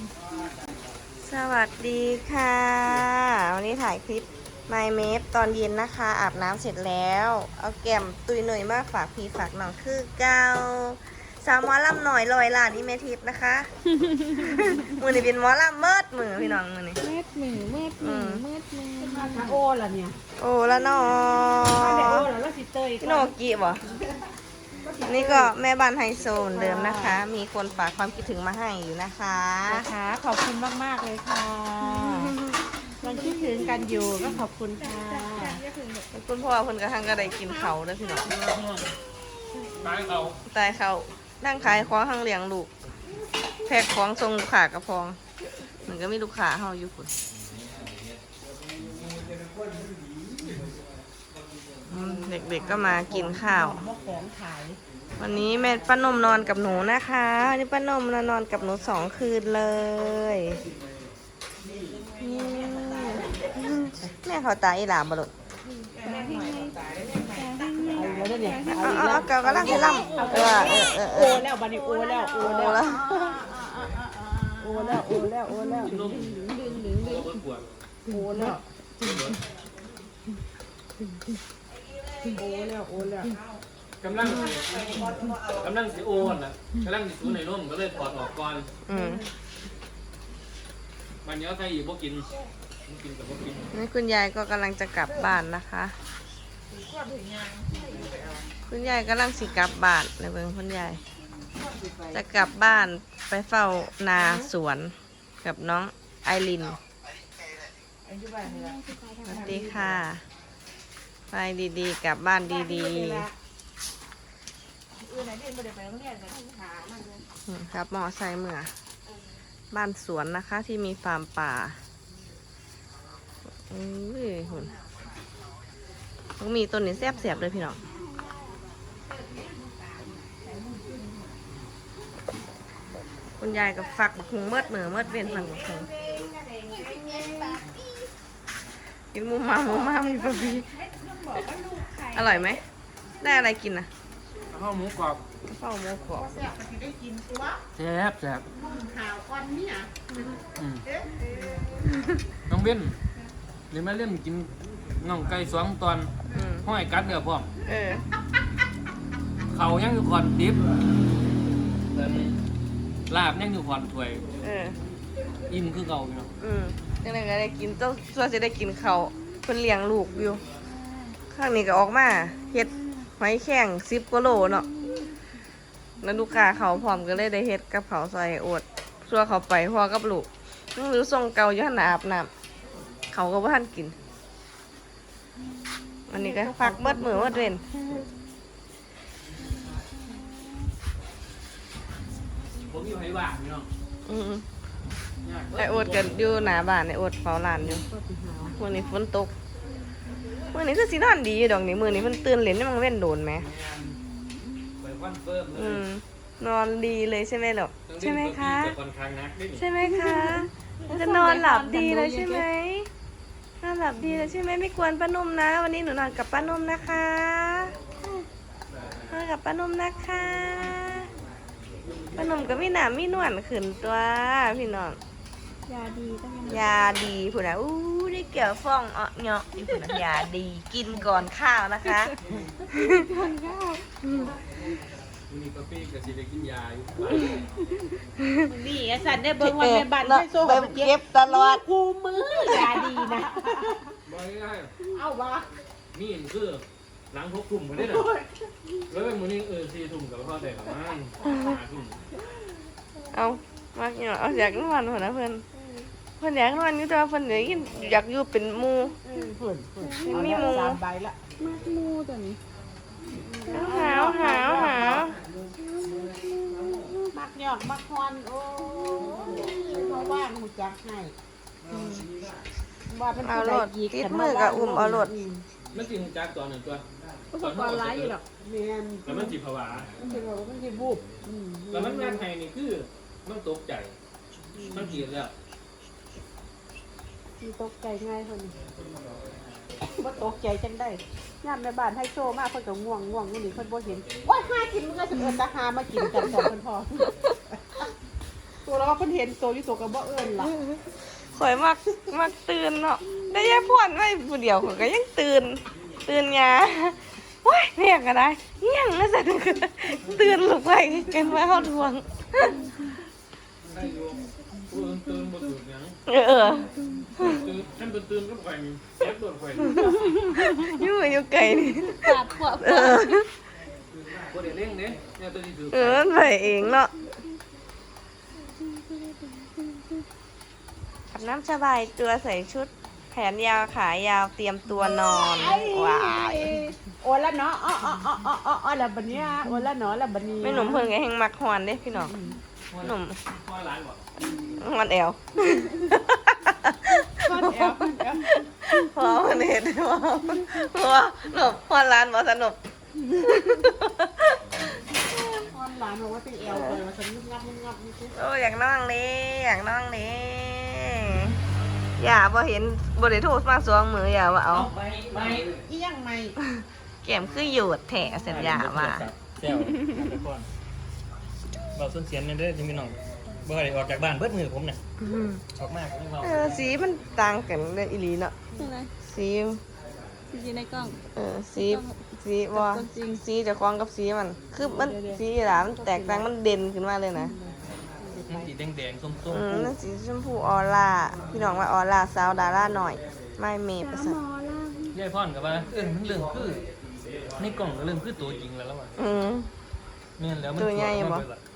สวัสดีค่ะวันนี้ถ่ายคลิป My m a p ตอนเย็นนะคะอาบน้ำเสร็จแล้วเอาแก้มตุยหน่อยมากฝากพี่ฝากน้องคือเก้าสาวหมอลำหน่อยลอยลานนี่เมทิพย์นะคะ มือนี่เป็นหมอลำเมิดมือพี่น้องมือนี่เม็ดหนึ่งเม็ดหนึ่งเม็ดหนึ่งมาโอล่ะเนี่ยโอ้แล้วน้อมาแต่โอล่ะแล้วสิเตยพี่โนกิบ่นี่ก็แม่บ้านไฮโซเหมือนเดิมนะคะ มีคนฝากความคิดถึงมาให้อยู่นะคะนะคะขอบคุณมากๆเลยค่ะยังคิดถึงกันอยู่ก็ขอบคุณค่ะคุณพ่อเพิ่นกระทั่งก็ได้กินเขาด้วยพี่น้องตายเขาตายเขานั่งขายของข้างเลี้ยงลูกแพ็คของทรงลูกค้ากระพองเหมือนก็มีลูกค้าเฮาอยู่พุ่นเด็กๆก็มากินข้าวมกของขายวันนี้แม่ป้านมนอนกับหนูนะคะวันนี้ป้านมนอนกับหนู2 คืนเลยแม่เขาตายอีหลามบ่ลูกเอาแล้วเนี่ยเอาเกากำลังให้ล่ำโอแล้วบัดนี้โอแล้วโอโอ้แล้วแล้วโอแล้วโอแล้วโอแล้วดึงดึงดึงดึงปวดโอแล้วโอแล้วโอแล้วกำลังสิโอนนะกำลังสิสูในร่มก็เลยถอดออกก่อนอืมวันนี้ใครอยู่พวกกินกับพวกกินนี่คุณยายก็กำลังจะกลับบ้านนะคะ คุณยายกำลังสิกลับบ้านในเบิ่งคุณยายจะกลับบ้านไปเฝ้านาสวนกับน้องไอรินสวัสดีค่ะไปดีๆกลับบ้านดีๆครับมอไซค์เมื่อบ้านสวนนะคะที่มีฟาร์มป่าหุ่นต้องมีต้นนี้แซ่บๆเลยพี่น้องคุณยายกับฝักบักหุงเมิดเหนือเมิดเวียนฝักบักหุงกินมูมามีปะพี่อร่อยไหมได้อะไรกินนะข้าวหมูกรอบเฝ้าโมกรอบแซ่บน้องเบ้นหรือแม่เล่นกินน่องไก่2 ตอนห้อยกัดเดือพร้อมเออเขายังอยู่ขอนดิบลาบยังอยู่ขอนถ้วยเอออิ่มคือเก่าอยู่เนาะยังไงก็ได้กินต้องส่วนจะได้กินเขาวเพิ่นเลี้ยงลูกอยู่ข้างนี้ก็ออกมาเฮ็ดหอยแข้ง10 กว่าโลเนาะแล้วลูกค้าเขาพร้อมก็เลยได้เฮ็ดกับเขาวใส่โอดซัวเขาไปพ่อกับลูกนั่งหรือส่งเก่าอยู่หั่นน่ะอาบน้ำเขาก็บ่ทันกินอันนี้ก็พักเบิดมื้อเบิดเว้นผมอยู่ไห้ว่างเนาะอืมไอโอดกันอยู่หน้าบ้านไอโอดเฝ้าร้านอยู่มื้อนี้ฝนตกมื้อนี้คือสินอนดีอยู่ดอกนี่มื้อนี้เพิ่นตื่นเล่นนี่มันเว้นโดนแหมไปคอนเฟิร์มเลยนอนดีเลยใช่ไหมหรอใช่ไหมคะค่อนข้างนักนิดนึงใช่ไหมคะจะนอนหลับดีเลยใช่ไหมนอนหลับดีเลยใช่ไหมไม่กวนป้านุ่มนะ วันนี้หนูนอนกับป้านุ่มนะคะนอนกับป้านุ่มนะคะป้านุ่มก็มีหนามมีนวลขึ้นตัวพี่น้องยาดีก็ยังยาดีผู้นะอู้ได้เกี่ยวฟองเนาะนี่ผู้นะยาดีกินก่อนข้าวนะคะคนข้าววันนี้กาแฟกับซีเรียกินยาอยู่นี่ไอ้สันได้เบิ่งวันในบ้านให้โซ่ไปเก็บตลอดกูมือยาดีนะบ่ง่ายเอาวะนี่คือหลัง6 ทุ่มคนนี้น่ะแล้วเป็นมื้อนี้4 ทุ่มกับพ่อแต่ประมาณ5 ทุ่มเอามากเนาะเอาอยากนอนหัวนะเพื่อนอยากนอนอยู่แต่ว่าเพื่อนอยากอยู่เป็นหมู่ มีหมู 3 ใบละมากมูตัวนี้หาวมักหยอกมักฮอนโอ้เพราะว่าหูจักให้ว่าเป็นเอาผู้โลใดดยีติดมือกับอุ้มเอาโลดมันสิฮู้จักตอนหนึ่งตัวอุปกรณ์ร้ายอยู่หรอกแม่นแล้วมันสิภาวะมันจะบอกว่ามันจะบูบแล้วมันงานไทยนี่คือมันตกใจมันเกลียดแล้วมีตกใจง่ายคนนี้ว่าตกใจจังได้ย่ามในบ้านให้โชว์มากเพิ่นก็ง่วงมื้อนี้เพิ่นบ่เห็นว่าหากินมันก็สิเอิ้นตาหามากินกันสองคนพอ กูตัวเราก็เพิ่นเห็นตัวอยู่ตัวก็บ่เอิ้นล่ะข่อยมักตื่นเนาะได้ยายพรไว้ผู้เดียวข่อยก็ยังตื่นยาโอ้ยเรียกก็ได้เงี้ยงนะสันตื่นลูกไปกันมาเข้าทวงได้อยู่ตื่นบ่ตื่นหยังเออตื่นฉันตื่นก็ไข่เจ็บปวดไข่อยู่ไกลนี่ปาดพวกเออบ่ได้เร่งเด้เนี่ยตัวนี้ถือมันไปเองเนาะอาบน้ำสบายตัวใส่ชุดแขนยาวขายาวเตรียมตัวนอนว้ายโอ้ละเนาะอ๋อละบัดเนี้ยโอ้ละเนาะละบัดนี้ไม่หนุ่มเพิ่นก็แหงมักฮอนเด้พี่น้องหนุ่มพ่อหลานบ่ฮอนแอวก้อนแอลพอมันเห็นว่าหนุ่มฮอนร้านบ่สนุกก้อนหลานบอกว่าเป็นแอลเลยว่าฉันงับนี่สิโอ้อยากนั่งนี่อยากนั่งนี่อย่าบ่เห็นบ่ได้โทรมาสองมืออย่าว่าเอาไม่อีหยังใหม่แก้มคือหยุดแถสัญญาว่าแซวไปก่อนบอกส้นเสียนนี่เด้อที่พี่น้องบ่ได้ออกจากบ้านเบิดมือผมน่ะออกมากนี่เว้าสีมันต่างกันเลยอีหลีเนาะใช่ไหมสีที่ในกล้องสีว่าสีเจะคล้าของกับสีมัน คือมันสีหลามันแตกต่างมันเด่นขึ้นมาเลยนะมันสีแดงๆส้มนั่นสีชมพูออร่าพี่น้องว่าออร่าสาวดาราหน่อย ไม่เมย์ประสาทๆยายพ่อนก็ว่ามันเรื่องคือในกล่องก็เรื่องคือตัวจริงแล้วล่ะ แม่นแล้วมันตัวใหญ่บ่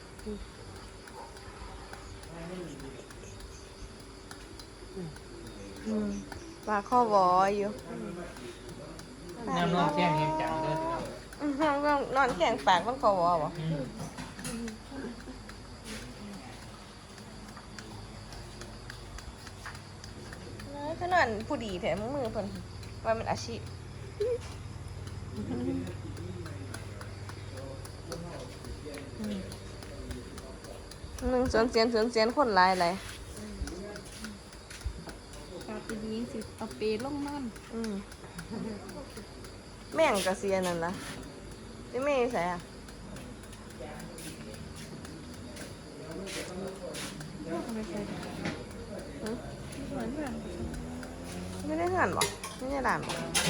ปลาข้อบออยู่แนวนอนแข้งแห้งจังเด้อนอนแข็งปากมันข้อบอบ่อืมก็นอนผู้ดีแถมมือเพิ่นว่ามันอาชีพหนึ่งสวนเสียนคนหลายอะไรกาเป็นยิงสิเอาเปรย์ลงนั่นแม่งกระเซียนนั่นล่ะที่ไม่ใส่อ่ะไม่ใช่เหมือนแบบไม่ได้หันบ่ไม่ได้หลานบ่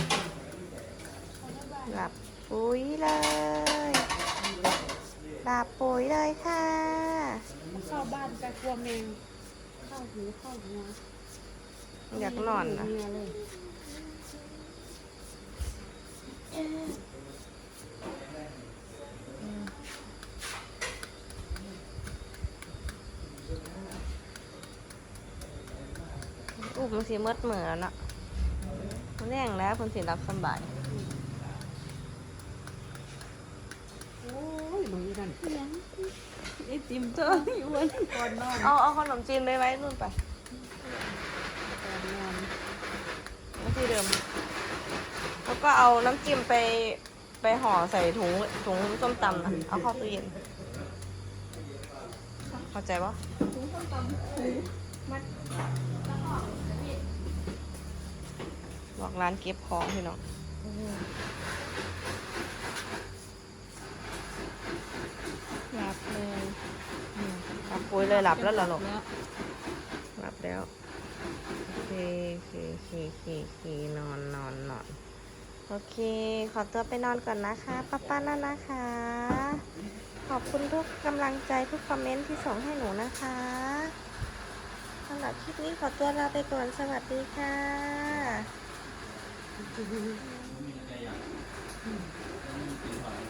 หลับปุ๋ยเลยหลับปุ๋ยเลยค่ะเข้าบ้านแต่กลัวแมงเข้าหูเข้าหัวอยากนอนนะเมียเลยอุ้มมันสิมืดเหมือนเนาะมันแรงแล้วคนสิรับสบายโอ้ยมึงนี่นั่นยังไอติมเธออยู่วันก่อนนอนเอาขนมจีนไปไว้นู่นไปก่อนนอนไว้ที่เดิม แล้วก็เอาน้ำจิ้มไปห่อใส่ถุงส้มตำนะเอาเข้าตู้เย็นเข้าใจปะบอกร้านเก็บของพี่น้องหลับเลยหลับปุ๋ยเลยหลับแล้วเหรอลูกแล้วหลับแล้วโอเคนอนโอเค ขอตัวไปนอนก่อนนะคะป้านั่นนะคะ ขอบคุณทุกกำลังใจทุกคอมเมนต์ที่ส่งให้หนูนะคะสำหรับคลิปนี้ขอตัวลาไปก่อนสวัสดีค่ะ